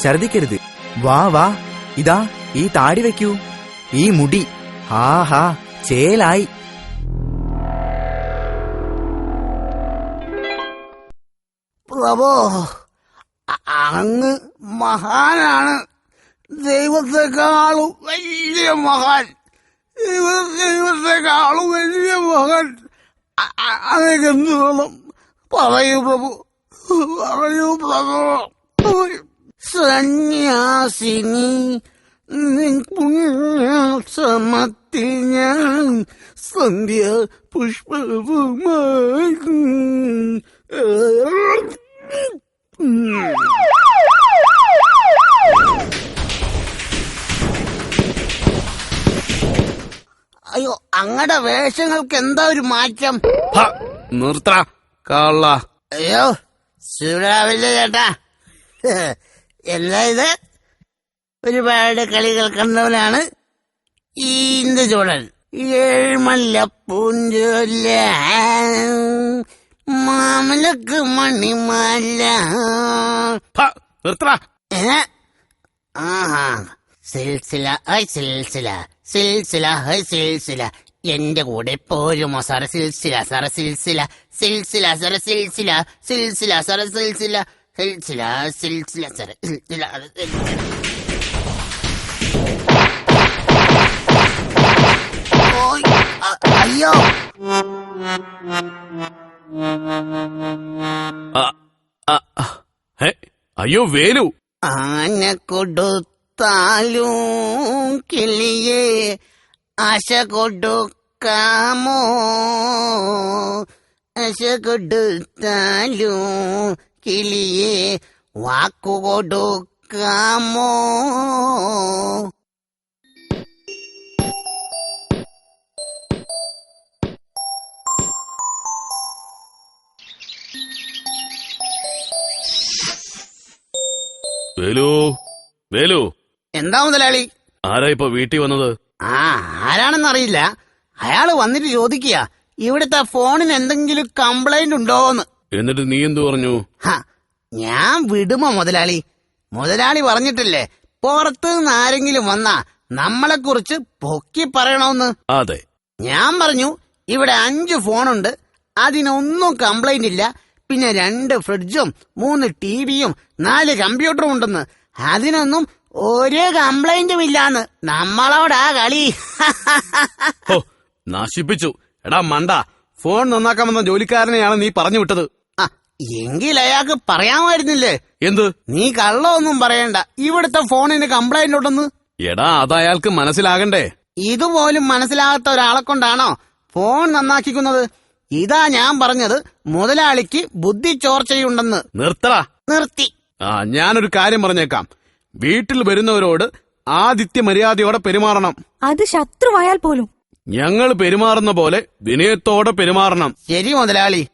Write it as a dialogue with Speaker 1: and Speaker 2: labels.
Speaker 1: ഛർദിക്കരുത്. വാ വാ, ഇതാ ഈ താടി വെക്കൂ, ഈ മുടി. ആഹാ, ചേലായി.
Speaker 2: പ്രഭോ, അങ്ങ് മഹാനാണ്. ദൈവത്തെക്കാളും വലിയ മഹാൻ. ദൈവത്തെക്കാളും വലിയ മഹാൻ. അതൊക്കെ എന്ത് വേണം? പറയൂ പ്രഭു, പറയൂ പ്രഭു. സന്യാസിനി നിൻ പുണ്യാശ്രമത്തിൽ ഞാൻ സന്ധ്യ പുഷ്പവുമായി. അയ്യോ, അങ്ങടെ വേഷങ്ങൾക്ക് എന്താ ഒരു മാറ്റം?
Speaker 3: നിർത്ത കള്ള.
Speaker 2: അയ്യോ, ശിവരാവില്ല ചേട്ടാ. എന്താ ഇത്? ഒരുപാട് കളികൾ കണ്ടവനാണ് ഈ ഇന്ദുചൂടൻ. ഏഴ്മല്ലപ്പൂഞ്ചൊല്ല മാമലക്ക് മണിമാല.
Speaker 3: നിർത്ത.
Speaker 2: ആഹാ, സിൽസില സിൽസില സിൽസില സിൽസില. എന്റെ കൂടെ പോരുമോ സാറ സിൽസില സാറ സിൽസില സിൽസില സാറ സിൽസില സിൽസില സാറ സിൽസില സിൽസില സിൽസില സാറ സിൽസില. അയ്യോ,
Speaker 3: അയ്യോ വേലു.
Speaker 2: ആന കൊടുത്താലും കിളിയെ ആശ കൊടുക്കാമോ? ആശ കൊടുത്താലും കിളിയെ വാക്കു കൊടുക്കാമോ?
Speaker 3: വേലു, വേലു.
Speaker 2: എന്താ മുതലാളി?
Speaker 3: ആരാ ഇപ്പൊ വീട്ടിൽ വന്നത്?
Speaker 2: ആരാണെന്നറിയില്ല. അയാള് വന്നിട്ട് ചോദിക്കുക ഇവിടുത്തെ ഫോണിന് എന്തെങ്കിലും കംപ്ലൈന്റ് ഉണ്ടോന്ന്.
Speaker 3: എന്നിട്ട് നീ എന്തു പറഞ്ഞു?
Speaker 2: ഞാൻ വിടുമോ മുതലാളി? മുതലാളി പറഞ്ഞിട്ടില്ലേ പുറത്ത് നിന്ന് ആരെങ്കിലും വന്നാ നമ്മളെ കുറിച്ച് പൊക്കി പറയണമെന്ന്.
Speaker 3: അതെ.
Speaker 2: ഞാൻ പറഞ്ഞു ഇവിടെ 5 ഫോണുണ്ട്, അതിനൊന്നും കംപ്ലൈന്റ് ഇല്ല. പിന്നെ 2 ഫ്രിഡ്ജും 3 ടിവിയും 4 കമ്പ്യൂട്ടറും ഉണ്ടെന്ന്. അതിനൊന്നും ഒരു കംപ്ലൈന്റും ഇല്ലാന്ന്. നമ്മളോടാ കളി.
Speaker 3: നശിപ്പിച്ചു. എടാ മണ്ട, ഫോൺ നന്നാക്കാമെന്ന ജോലിക്കാരനെയാണ് നീ പറഞ്ഞു വിട്ടത്.
Speaker 2: എങ്കിൽ അയാൾക്ക് പറയാമായിരുന്നില്ലേ?
Speaker 3: എന്ത്?
Speaker 2: നീ കള്ളമൊന്നും പറയണ്ട, ഇവിടുത്തെ ഫോണിന് കംപ്ലൈന്റ് ഉണ്ടെന്ന്.
Speaker 3: എടാ, അത് അയാൾക്ക് മനസ്സിലാകണ്ടേ?
Speaker 2: ഇതുപോലും മനസ്സിലാകാത്ത ഒരാളെ കൊണ്ടാണോ ഫോൺ നന്നാക്കിക്കുന്നത്? ഇതാ ഞാൻ പറഞ്ഞത്, മുതലാളിക്ക് ബുദ്ധി ചോർച്ചയുണ്ടെന്ന്.
Speaker 3: നിർത്തടാ.
Speaker 2: നിർത്തി.
Speaker 3: ഞാനൊരു കാര്യം പറഞ്ഞേക്കാം. വീട്ടിൽ വരുന്നവരോട് ആതിഥ്യ മര്യാദയോടെ പെരുമാറണം.
Speaker 4: അത് ശത്രുവായാൽ പോലും
Speaker 3: ഞങ്ങൾ പെരുമാറുന്ന പോലെ വിനയത്തോടെ പെരുമാറണം.
Speaker 2: ശരി മുതലാളി.